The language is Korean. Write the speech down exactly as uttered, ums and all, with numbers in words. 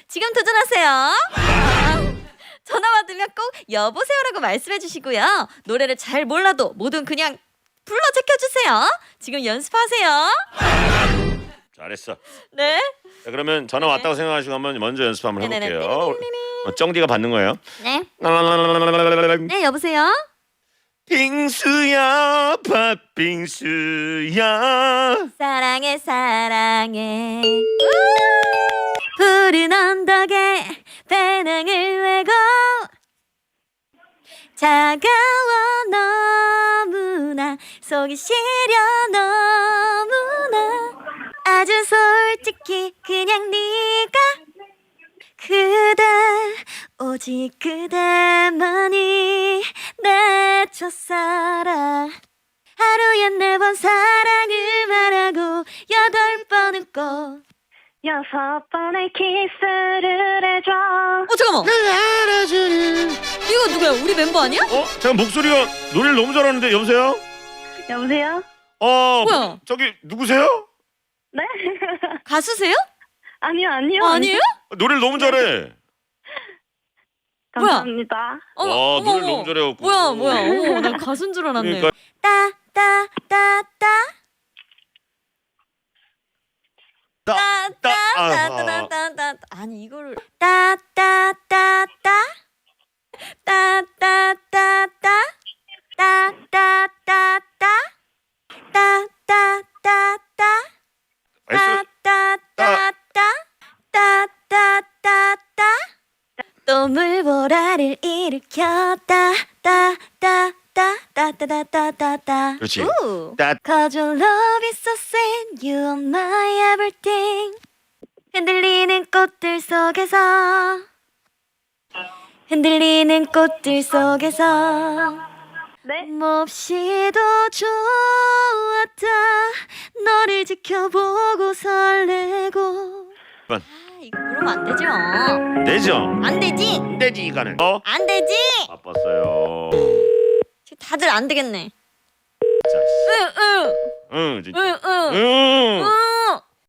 지금 도전하세요. 전화 받으면 꼭 여보세요라고 말씀해 주시고요. 노래를 잘 몰라도 뭐든 그냥 불러 제껴주세요. 지금 연습하세요. 잘했어. 네. 자, 그러면 전화 네. 왔다고 생각하시고 한번 먼저 연습 한번 네네네. 해볼게요. 어, 쩡디가 받는 거예요. 네. 네, 여보세요. 빙수야 팥빙수야. 사랑해 사랑해. 푸른 언덕에 배낭을 메고 차가워 너무나 속이 시려 너무나 아주 솔직히 그냥 네가 그대 오직 그대만이 내 첫사랑 하루에 네 번 사랑을 말하고 여덟 번 웃고 여섯 번의 키스를 해줘. 어 잠깐만 이거 누구야? 우리 멤버 아니야? 어? 잠깐 목소리가 노래를 너무 잘하는데 여보세요? 여보세요? 어 뭐야? 저기 누구세요? 네? 가수세요? 아니요, 아니요. 어, 아니에요? 노래를 너무 잘해. 감사합니다. 어, 와, 어머, 노래를 어머. 너무 잘해갖고. 뭐야 뭐야 어머 난 가수인 줄 알았네. 그러니까. 따따따따따 따, 따, 아, 따따따따따 아니 이거를 따따따따 따따따따 따따따따 따따따따 알았어. 따따따따 따따따따 또 물보라를 일으켰다 따따따따따따따따 그렇지. 우. 따. Cause your love is so sad, you are my everything. 흔들리는 꽃들 속에서 흔들리는 꽃들 속에서 네? 몹시도 좋았다 너를 지켜보고 설레고. 번. 아 이거 그러면 안 되죠. 되죠? 안 되지? 안 되지 이거는. 어? 안 되지? 바빴어요. 지금 다들 안 되겠네. 자, 씨. 응응 응, 진짜. 응응 응. 응.